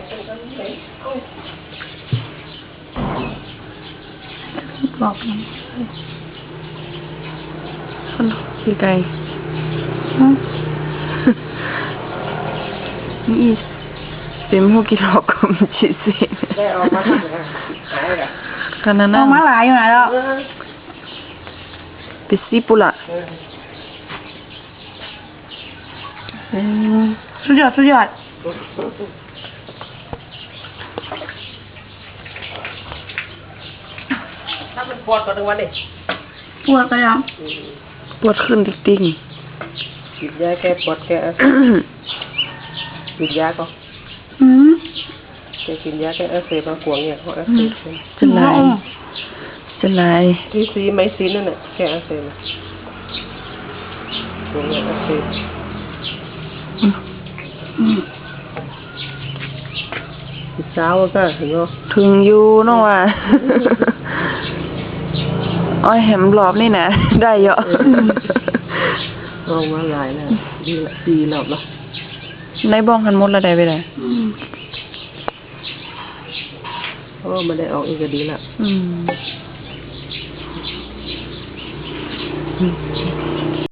บอกพี่ไก่นี่เป็นพวกกินหลอกก็มีชีสได้ออกมาหายละขนาดนั้นออกมาหลายอยู่ไหนแล้วปิดซีปุระสุดยอดถ้ามันปวดก็ทั้งวันเลยปวดก็ยังปวดขึ้นติ๊งกินยาแก้ปวดแก้กินยาก็จะกินยาแก้อักเสบมากวงเนี่ยเขาอักเสบจะลายที่ซีไม่ซีนั่นแหละแก้อักเสบกวงเนี่ยอักเสบเช้าก็ถึงถึงอยู่เนาะว่าอ้อยแหมรอบนี่นะได้เยอะลองมาหลายแล้วดีละ4 รอบแล้วในบ้องหันหมดละได้ไปเลยมันได้ออกอีกก็ดีละ